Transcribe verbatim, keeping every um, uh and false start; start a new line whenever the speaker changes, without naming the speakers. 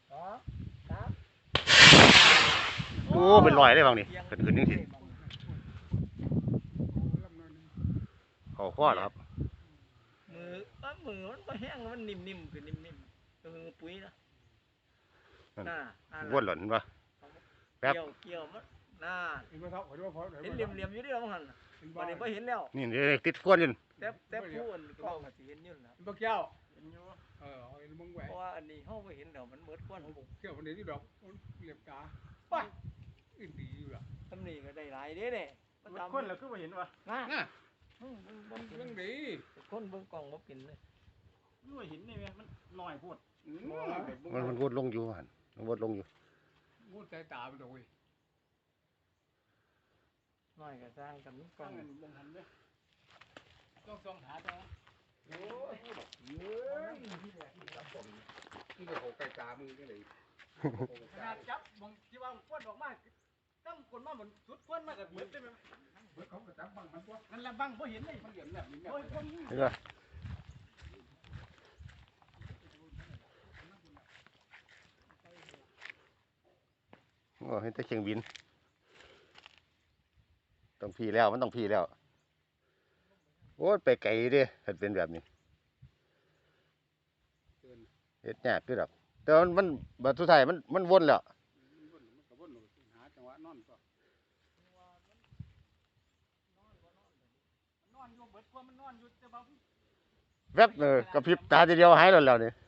โอ้เป็นรอยได้บางนี่ขึ้นขึ้นนี่สิเขาข้อเหรอครับ
มือว่ามือมันก็แห้งมันนิ่มๆคือนิ่มๆคือปุ๋ยนะน่า
วนหล่นปะแป๊บ
เกี่ยวเกี่ยวมันน่าเห็นเหลี่ยมเหลี่ยมอยู่ที่เราหันวันนี้พอเห็นแล้ว
นี่ติดก้นอยู่
แต่แต่ผู้อื่นก็มาสิเห็นอยู่นะ
บักเจ้า
เห็นอยู่
เออเอามึงแหวก
เพราะว่าอันนี้เขาไปเห็นแล้วมันเหมือนก้อนของผม
เกี่ยววันนี้ที่ดอกเหลี่ยมตาไปอื่นดีอยู่ละ
ตำหนิก็ได้หลายเด้เนี่ย
คนเราคือมาเห็นวะ
น่า
มันเรื่องดี
คนเบิ่งกล่องบ่เป็นเลย
คือมาเห็นนี่ไหมมันหน่อยพูด
มันมันวนลงอยู่หันมันวนลงอยู่
งูใจตาไปเลย
น้อยก็สร้างกันกล่อง
ลงหันเลย
ต้องส่องหาตัวโอ้ยเฮ้ยนี่ก็หกใจตามึงก็เลย
ขนาดจับบางที่ว่าควนออกมาตั้งคนมาเหมือนสุดควนมากับเหมือนได้ไหม
เขาก็จับบังมันตัว
นั่นแหละบังเพราะเห็นเลย
มันเหลี่ยมแบบนี้แบบ
เห็นปะโอ้เห็นแต่เชียงบินต้องพีแล้วมันต้องพีแล้วโอ้ไปไกลดิเห็นเป็นแบบนี้เห็ดยากด้วยหรอกแต่มันมันบัดสุดท้ายมันมันวนแล้วแวบเออกระพริบตาทีเดียวหายแล้วแล้วนี่